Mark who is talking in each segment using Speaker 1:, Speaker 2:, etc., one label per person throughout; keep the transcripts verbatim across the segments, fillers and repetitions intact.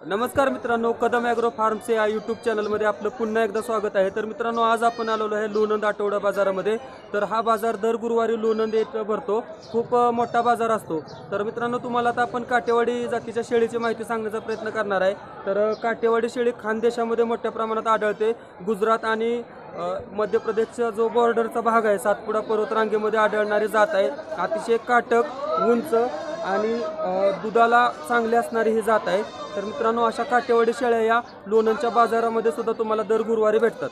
Speaker 1: नमस्कार मित्रांनो, कदम ॲग्रो फार्मचे या यूट्यूब चॅनलमध्ये आपलं पुन्हा एकदा स्वागत आहे। तर मित्रांनो, आज आपण आलेलो आहे लोणंद आठवडा बाजारामध्ये। तर हा बाजार दर गुरुवारी लोणंद येथे भरतो। खूप मोठा बाजार असतो। तर मित्रांनो, तुम्हाला आता आपण काटेवाडी जातीच्या शेळीची माहिती सांगण्याचा प्रयत्न करणार आहे। तर काटेवाडी शेळी खानदेशामध्ये मोठ्या प्रमाणात आढळते। गुजरात आणि मध्य प्रदेशचा जो बॉर्डरचा भाग आहे, सातपुडा पर्वतरांगेमध्ये आढळणारी जात आहे। अतिशय काटक, उंच आणि दुधाला चांगली असणारी ही जात आहे। तर मित्रांनो, अशा काटेवाडी शेळ्या या लोणंदच्या बाजारामध्ये सुद्धा तुम्हाला दर गुरुवारी भेटतात।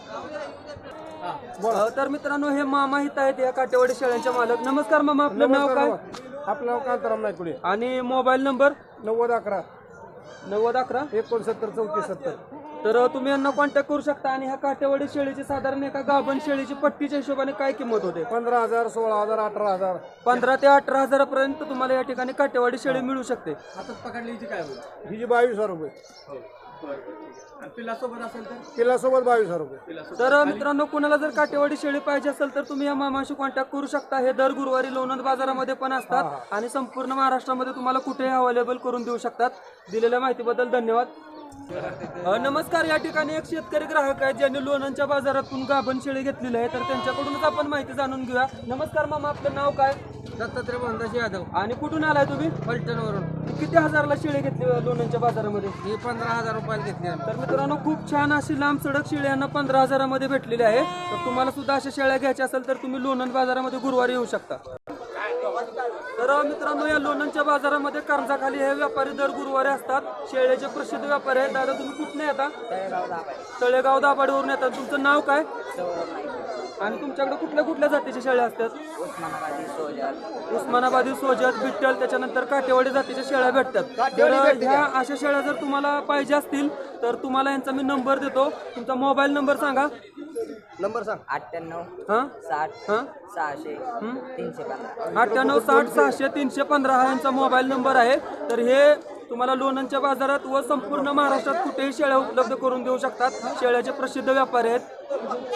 Speaker 1: तर मित्रांनो, हे मामा इथं आहेत, या काटेवाडी शेळ्यांचे मालक। नमस्कार मामा, आपलं नाव काय?
Speaker 2: आपलं नाव कांताराम नायकुडे
Speaker 1: आणि मोबाईल नंबर?
Speaker 2: नव्वद अकरा
Speaker 1: नव्वद अकरा
Speaker 2: एकोणसत्तर चौतीस सत्तर।
Speaker 1: तर तुम्ही यांना कॉन्टॅक्ट करू शकता। आणि ह्या काटेवाडी शेळीची साधारण एका गाभण शेळीची पट्टीच्या हिशोबाने काय किंमत होते?
Speaker 2: पंधरा हजार सोळा हजार अठरा हजार
Speaker 1: पंधरा ते अठरा हजारापर्यंत तुम्हाला या ठिकाणी काटेवाडी शेळी मिळू शकते।
Speaker 2: हातात पकडलीची काय होईल? ही जी बावीस हजार रुपये पिल्लासोबत असेल तर पिल्लासोबत बावीस हजार रुपये।
Speaker 1: तर मित्रांनो, कुणाला जर काटेवाडी शेळी पाहिजे असेल तर तुम्ही या मामाशी कॉन्टॅक्ट करू शकता। हे दर गुरुवारी लोणंद बाजारामध्ये पण असतात आणि संपूर्ण महाराष्ट्रामध्ये तुम्हाला कुठेही अवेलेबल करून देऊ शकतात। दिलेल्या माहितीबद्दल धन्यवाद। नमस्कार, या ठिकाणी एक शेतकरी ग्राहक आहेत ज्यांनी लोणंदच्या बाजारातून गाभण शेळी घेतलेली आहे। तर त्यांच्याकडूनच आपण माहिती जाणून घेऊया। नमस्कार मामा, आपलं नाव काय?
Speaker 2: दत्तात्रय भानदास यादव।
Speaker 1: आणि कुठून आलाय तुम्ही?
Speaker 2: पलटणवरून।
Speaker 1: किती हजारला शेळी घेतली लोणंदच्या बाजारामध्ये?
Speaker 2: ही पंधरा हजार रुपयाला घेतली आम्ही।
Speaker 1: तर मित्रांनो, खूप छान अशी लांब सडक शेळी यांना पंधरा हजारामध्ये भेटलेली आहे। तर तुम्हाला सुद्धा अशा शेळ्या घ्यायच्या असेल तर तुम्ही लोणंद बाजारामध्ये गुरुवारी येऊ शकता। तर मित्रांनो, या लोणंदच्या बाजारामध्ये कर्जाखाली हे व्यापारी दर गुरुवारी असतात। शेळ्याचे प्रसिद्ध व्यापारी आहेत। दादा, तुम्ही कुठून येतात? तळेगाव दाभाडेवरून येतात। तुमचं नाव काय? आणि तुमच्याकडे कुठल्या कुठल्या जातीच्या शेळ्या असतात?
Speaker 3: उस्मानाबादी सोजत
Speaker 1: उस्मानाबादी, सोजत, बिट्टल, त्याच्यानंतर काटेवाडी जातीच्या शेळ्या भेटतात। तर ह्या अशा शेळ्या जर तुम्हाला पाहिजे असतील तर तुम्हाला यांचा मी नंबर देतो। तुमचा मोबाईल नंबर सांगा।
Speaker 2: नंबर सांग।
Speaker 3: अठ्ठ्याण्णव
Speaker 1: हां
Speaker 3: साठ
Speaker 1: हां
Speaker 3: सहाशे तीनशे पंधरा
Speaker 1: अठ्ठ्याण्णव साठ सहाशे तीनशे पंधरा हा यांचा मोबाईल नंबर आहे। तर हे तुम्हाला लोणंदच्या बाजारात व संपूर्ण महाराष्ट्रात कुठेही शेळ्या उपलब्ध करून देऊ शकतात। शेळ्याचे प्रसिद्ध व्यापारी आहेत।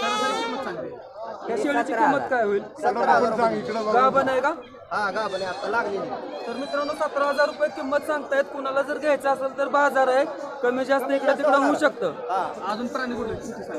Speaker 1: या शेळीची किंमत काय होईल? गाभण आहे का?
Speaker 2: हा गा बने आता लागली।
Speaker 1: तर मित्रांनो, सतरा हजार रुपये किंमत सांगतायत। कुणाला जर घ्यायचं असेल तर बाजार आहे, कमी जास्त इकडे तिकडे होऊ शकतं।
Speaker 2: अजून प्राणी कुठे?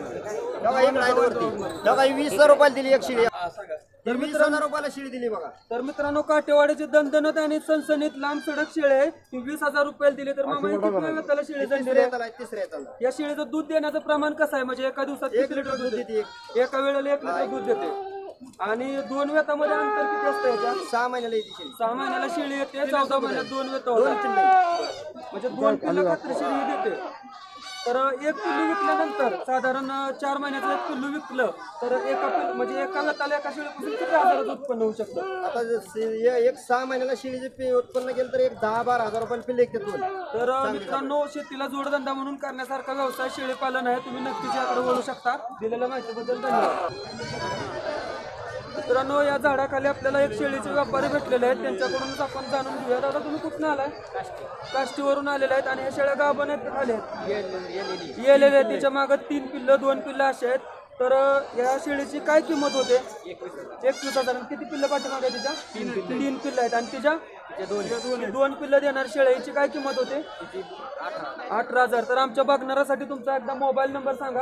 Speaker 2: वीस हजार रुपयाला दिली एक शिळी। तर वीस हजार रुपयाला शिळी दिली बघा।
Speaker 1: तर मित्रांनो, काटेवाडीची दणदणत आणि सणसणीत लांब सडक शेळी आहे, ती वीस हजार रुपयाला दिली। तर मामा, त्याला शेळी जणली आहे।
Speaker 2: तिसऱ्या
Speaker 1: या शेळीचं दूध देण्याचं प्रमाण कसं आहे? म्हणजे एका दिवसात किती लिटर दूध देते? एका वेळेला एक लिटर दूध देते। आणि दोन वेतामध्ये अंतर किती असतं याच्या?
Speaker 2: सहा महिन्याला येते शेळी।
Speaker 1: सहा महिन्याला शेळी येते, चौदा महिन्यात दोन वेत होतात, म्हणजे दोन पिल्लं खात्रीशीर ही देते। तर एक पिल्लू विकल्यानंतर साधारण चार महिन्याचं एक पिल्लू विकलं तर एका पिल्लू म्हणजे एका वेताला एका शेळीपासून किती हजाराचं उत्पन्न होऊ शकतं?
Speaker 2: आता एक सहा महिन्याला शेळीचे उत्पन्न केलं तर एक दहा बारा हजार रुपये पिल्ले दोन।
Speaker 1: तर मित्रांनो, शेतीला जोडधंदा म्हणून करण्यासारखा व्यवसाय शेळी पालन आहे। तुम्ही नक्कीच याकडे वळू शकता। दिलेल्या माहितीबद्दल धन्यवाद। मित्रांनो, या झाडाखाली आपल्याला एक शेळीचे व्यापारी भेटलेले आहेत, त्यांच्याकडूनच आपण जाणून घेऊया। दादा, तुम्ही कुठून आलाय? काष्टीवरून आलेले आहेत। आणि ह्या शेळ्या गाभण आहेत का खाली आहेत? येलेले आहेत। तिच्या मागे तीन पिल्लं दोन पिल्लं असे आहेत। तर या शेळीची काय किंमत होते? एकवीस हजार। किती पिल्लं पाठीमागे तिच्या? तीन पिल्लं आहेत। आणि तिच्या दोन पिल्लं देणार शेळीची काय किंमत होते? अठरा हजार। तर आमच्या बघणाऱ्यासाठी तुमचा एकदा मोबाईल नंबर सांगा।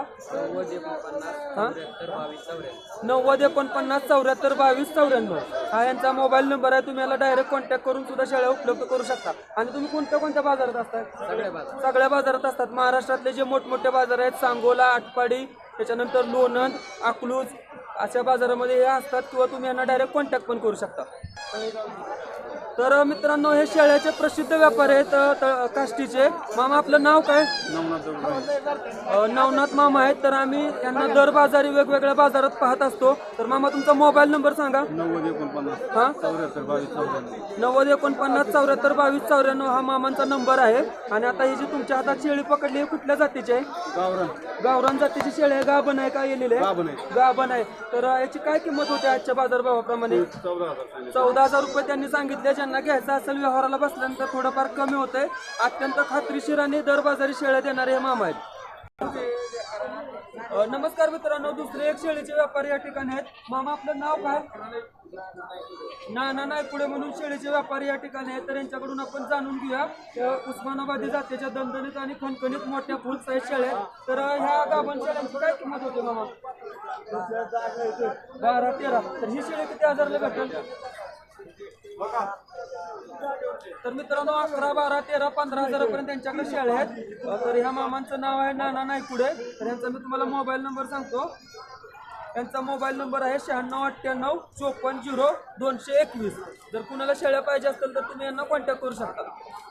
Speaker 1: नव्वद एकोणपन्नास चौऱ्याहत्तर बावीस चौऱ्याण्णव हा यांचा मोबाईल नंबर आहे। तुम्ही याला डायरेक्ट कॉन्टॅक्ट करून सुद्धा शेळ्या उपलब्ध करू शकता। आणि तुम्ही कोणत्या कोणत्या बाजारात असतात? सगळ्या बाजारात असतात। महाराष्ट्रातले जे मोठमोठे बाजार आहेत, सांगोला, आटपाडी, त्याच्यानंतर लोणंद, अकलूज, अशा बाजारामध्ये हे असतात। किंवा तुम्ही यांना डायरेक्ट कॉन्टॅक्ट पण करू शकता। तर मित्रांनो, हे शेळ्याचे प्रसिद्ध व्यापारी आहेत काष्टीचे। मामा, आपलं नाव काय? नवनाथ मामा आहेत। तर आम्ही यांना दर बाजारी वेगवेगळ्या बाजारात पाहत असतो। तर मामा, तुमचा मोबाईल नंबर सांगा।
Speaker 2: नव्वद एकोणपन्नास
Speaker 1: हा
Speaker 2: चौऱ्याहत्तर बावीस चौऱ्याण्णव
Speaker 1: नव्वद एकोणपन्नास चौऱ्याहत्तर बावीस चौऱ्याण्णव हा मामांचा नंबर आहे। आणि आता ही जी तुमच्या हातात शेळी पकडली आहे, कुठल्या जातीची आहे?
Speaker 2: गावरान
Speaker 1: गावरान जातीची शेळी आहे। गाभण आहे का? येलेली आहे? गाभण आहे। तर याची काय किंमत होते आजच्या बाजारभावाप्रमाणे? चौदा हजार रुपये त्यांनी सांगितले। ज्यांना घ्यायचं असेल, व्यवहाराला बसल्यानंतर थोडंफार कमी होतंय। अत्यंत खात्रीशीर आणि दर बाजारी शेळ्या देणारे हे मामा आहेत। नमस्कार मित्रांनो, दुसरे एक शेळीचे व्यापारी या ठिकाणी आहेत। मामा, आपलं नाव काय? नाना नाही पुढे म्हणून शेळीचे व्यापारी या ठिकाणी आहेत, तर यांच्याकडून आपण जाणून घेऊया. त्या उस्मानाबादी जातीच्या दणदणीत आणि खणखणीत मोठ्या फुल साईज शेळ्या आहेत. तर ह्या गाभण शेळ्यांची काय किंमत होते मामा? बारा तेरा. तर ही शेळी किती हजारला भेटेल? तर मित्रांनो अकरा बारा तेरा पंधरा हजारापर्यंत त्यांच्याकडे शेळ्या आहेत. तर ह्या मामांचं नाव आहे नाना नायकुडे. तर यांचा मी तुम्हाला मोबाईल नंबर सांगतो. यांचा मोबाईल नंबर आहे शहाण्णव अठ्ठ्याण्णव चोपन्न झिरो दोनशे एकवीस. जर कुणाला शेळ्या पाहिजे असतील तर तुम्ही यांना कॉन्टॅक्ट करू शकता.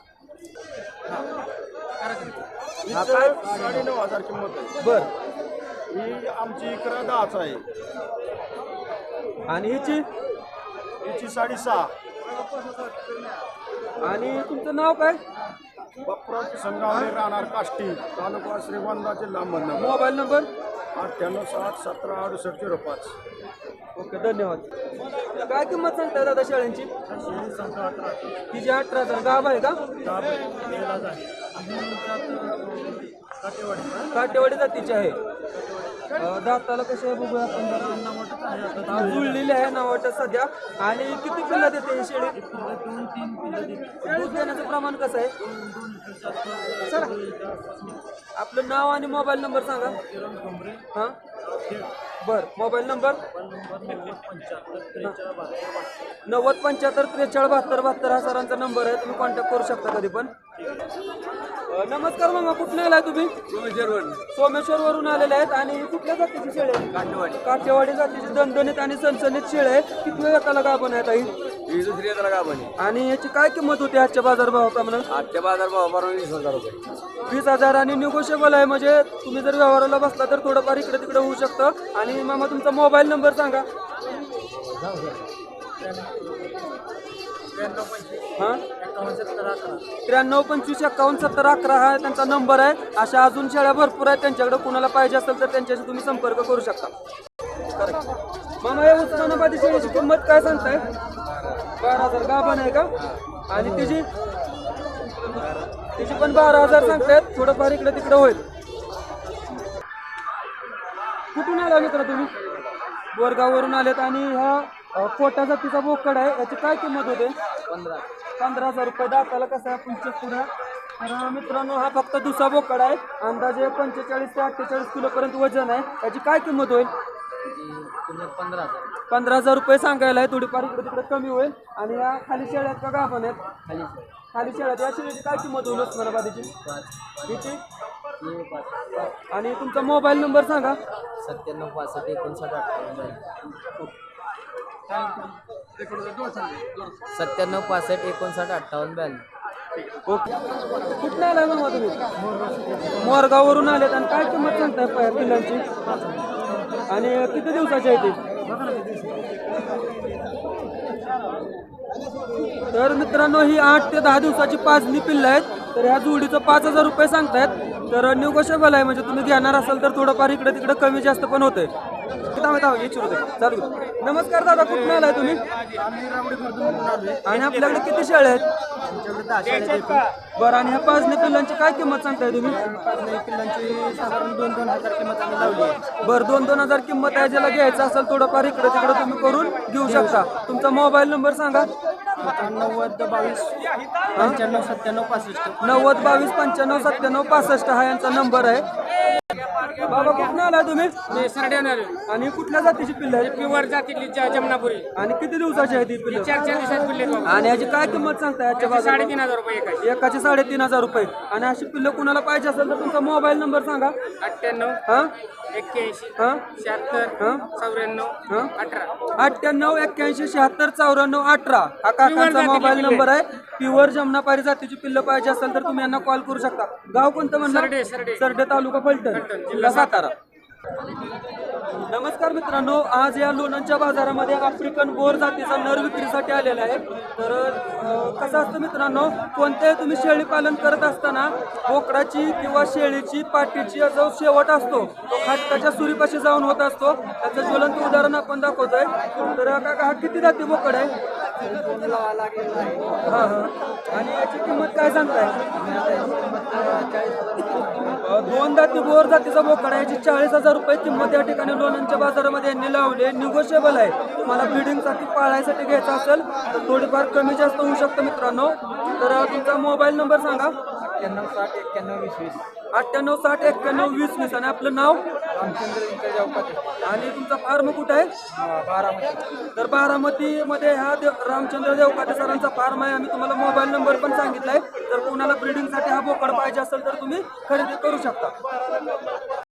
Speaker 2: साडेनऊ हजार किंमत आहे.
Speaker 1: बर.
Speaker 2: ही आमची इकडं दहाच आहे.
Speaker 1: आणि हिची
Speaker 2: हिची साडेसहा.
Speaker 1: आणि तुमचं नाव काय?
Speaker 2: बाप्पराव संगावणे राहणार काष्टी तालुका श्रीगोंदा जिल्हा अहमदनगर.
Speaker 1: मोबाईल नंबर
Speaker 2: अठ्ठ्याण्णव साठ सतरा अडुसष्ट झिरो पाच.
Speaker 1: ओके धन्यवाद. काय किंमत सांगताय दादा शेळ्यांची? तिची अठरा हजार. गाभ आहे का? काटेवाडी जातीची आहे. अं, दाताला कशी आहे बघूया आपण जरा. हा, जुळलेली आहे नावाट सध्या. आणि किती पिल्ला देते ही शेळी? दोन तीन पिल्ला देते. दूध देण्याचं प्रमाण कसं आहे? चला. आपलं नाव आणि मोबाईल नंबर सांगा. हां बर. मोबाईल नंबर नव्वद पंच्याहत्तर त्रेचाळीस बहात्तर बहात्तर हा सरांचा नंबर आहे. तुम्ही कॉन्टॅक्ट करू शकता कधी पण. अं, नमस्कार मामा, कुठून आलाय तुम्ही? सोमेश्वर वरून आलेले आहेत. आणि कुठल्या जातीची शेळी आहे? काठेवाडी. काठेवाडी जातीची दणदणीत आणि सणसणीत शेळी आहे. किती वेळाला गाभण आहे ताई?
Speaker 4: दुसरी येताला गाभण आहे.
Speaker 1: आणि याची काय किंमत होती आजच्या बाजारभावाप्रमाणे?
Speaker 4: आजच्या बाजार भावाप्रमाणे वीस हजार रुपये.
Speaker 1: वीस हजार. आणि निगोशिएबल आहे, म्हणजे तुम्ही जर व्यवहाराला बसला तर थोडंफार इकडे तिकडे होऊ शकतं. आणि मामा तुमचा मोबाईल नंबर सांगा. हां त्र्याण्णव पंचवीस एक्कावन्न सत्तर अकरा हा त्यांचा नंबर आहे. अशा अजून शेळ्या भरपूर आहेत त्यांच्याकडे. कुणाला पाहिजे असेल तर त्यांच्याशी तुम्ही संपर्क करू शकता. मामा या उस्मानाबादी शेळीची किंमत काय सांगताय? बारा हजार. गाभण आहे का? आणि तिची तिची पण बारा हजार सांगतायत. थोडंफार इकडे तिकडे होईल. कुठून आला मित्र तुम्ही? बोरगाववरून आलेत. आणि हा अ, कोटा जातीचा बोकड आहे. याची काय किंमत होते?
Speaker 3: पंधरा
Speaker 1: पंधरा हजार रुपये. दाताला कसं आहे आपण चेक करूया. तर मित्रांनो हा फक्त दुसरा बोकड आहे. अंदाजे पंचेचाळीस ते अठ्ठेचाळीस किलोपर्यंत वजन आहे. याची काय किंमत होईल?
Speaker 3: किंमत पंधरा हजार.
Speaker 1: पंधरा हजार रुपये सांगायला आहे. थोडीफार इकडे तिकडे कमी होईल. आणि या खाली शेळ्यात का गाभण आहेत?
Speaker 3: खाली
Speaker 1: खाली शेळ्यात. या शेळीची काय किंमत होईल उस्मानाबादीची? हिची? आणि तुमचा मोबाईल नंबर सांगा.
Speaker 3: सत्त्याण्णव पासष्ट एकोणसाठ अठ्ठावन्न. सत्त्याण्णव पासष्ट एकोणसाठ अठ्ठावन्न ब्याण्णव.
Speaker 1: ओके. कुठं आलाय मग तुम्ही? मोरगाववरून आलेत. आणि काय किंमत सांगताय प- पिल्लांची? आणि किती दिवसाची आहे ती? तर मित्रांनो ही आठ ते दहा दिवसाची पाचनी पिल्लं आहेत. तर ह्या जोडीचं पाच हजार रुपये सांगतायत. तर निगोशिएबल आहे, म्हणजे तुम्ही घेणार असाल तर थोडंफार इकडे तिकडे कमी जास्त पण होते. चालू. नमस्कार दादा, कुठून आलाय तुम्ही? आणि आपल्याकडे किती शेळ्या आहेत? बरं. आणि ह्या पाचनी पिल्लांची काय किंमत सांगताय तुम्ही?
Speaker 2: पिल्लांची साधारण दोन दोन हजार किंमत आम्ही लावली आहे.
Speaker 1: बरं दोन दोन हजार किंमत आहे. ज्याला घ्यायचं असेल थोडंफार इकडे तिकडे तुम्ही करून घेऊ शकता. तुमचा मोबाईल नंबर सांगा.
Speaker 2: नव्वद बावीस पंच्याण्णव सत्त्याण्णव पासष्ट.
Speaker 1: नव्वद बावीस पंच्याण्णव सत्त्याण्णव पासष्ट हा यांचा नंबर आहे. बाबा कुठून आला तुम्ही? आणि कुठल्या जातीची पिल्ल आहे?
Speaker 5: प्युअर जातीतली ज- जमनापुरी
Speaker 1: आणि किती दिवसाची आहे ती पिल्ल?
Speaker 5: चार चार दिवसात पिल्ले आहेत.
Speaker 1: आणि याची काय किंमत सांगताय आजच्या बाजारात?
Speaker 5: साडेतीन हजार रुपये एकाची.
Speaker 1: एकाचे साडेतीन हजार रुपये. आणि अशी पिल्ल कुणाला पाहिजे असेल तर तुमचा मोबाईल नंबर सांगा.
Speaker 5: अठ्ठ्याण्णव
Speaker 1: हा
Speaker 5: एक्क्याऐंशी
Speaker 1: हा
Speaker 5: शहात्तर
Speaker 1: हा
Speaker 5: चौऱ्याण्णव
Speaker 1: हा
Speaker 5: अठरा.
Speaker 1: अठ्ठ्याण्णव एक्क्याऐंशी शहात्तर चौऱ्याण्णव अठरा हा काकांचा
Speaker 5: जातीची
Speaker 1: मोबाईल
Speaker 5: पिल्ले.
Speaker 1: नंबर आहे. प्युअर जमनापारी जातीची पिल्लं पाहिजे असेल तर तुम्ही यांना कॉल करू शकता. गाव कोणतं म्हणलं?
Speaker 5: सरडे, सरडे.
Speaker 1: सरडे तालुका फलटण जिल्हा सातारा. नमस्कार मित्रांनो, आज या लोणंदच्या बाजारामध्ये आफ्रिकन बोर जातीचा नर विक्रीसाठी आलेला आहे. तर अं, कसं असतं मित्रांनो, कोणतेही तुम्ही शेळी पालन करत असताना बोकडाची किंवा शेळीची पाठीची जो शेवट असतो तो खाटकाच्या सुरीपाशी जाऊन होत असतो. त्याचं ज्वलंत उदाहरण आपण दाखवतोय. तर काका हा किती जाती बोकड आहे? हां हां. आणि याची किंमत काय सांगताय? अं, दोन दोन दाती बोर जातीचा बोकडा याची चाळीस हजार रुपये किंमत या ठिकाणी लोणंदच्या बाजारामध्ये यांनी लावली. निगोशिएबल आहे. तुम्हाला ब्रीडिंगसाठी पाळायसाठी घ्यायचं असेल तर थोडीफार कमी जास्त होऊ शकतं मित्रांनो. तर तुमचा मोबाईल नंबर सांगा.
Speaker 3: एक्क्याण्णव साठ एक्क्याण्णव वीस वीस
Speaker 1: अठ्ठ्याण्णव साठ एक्क्याण्णव वीस वीस आणि आपलं नाव
Speaker 3: रामचंद्र इंटर चौकात
Speaker 1: आणि तुमचा फार्म कुठं आहे?
Speaker 3: बारामती.
Speaker 1: तर बारामतीमध्ये हा देव रामचंद्र देवकाते सरांचा फार्म आहे. आम्ही तुम्हाला मोबाईल नंबर पण सांगितलाय. जर कोणाला ब्रीडिंगसाठी हा बोकड पाहिजे असेल तर तुम्ही खरेदी करू शकता.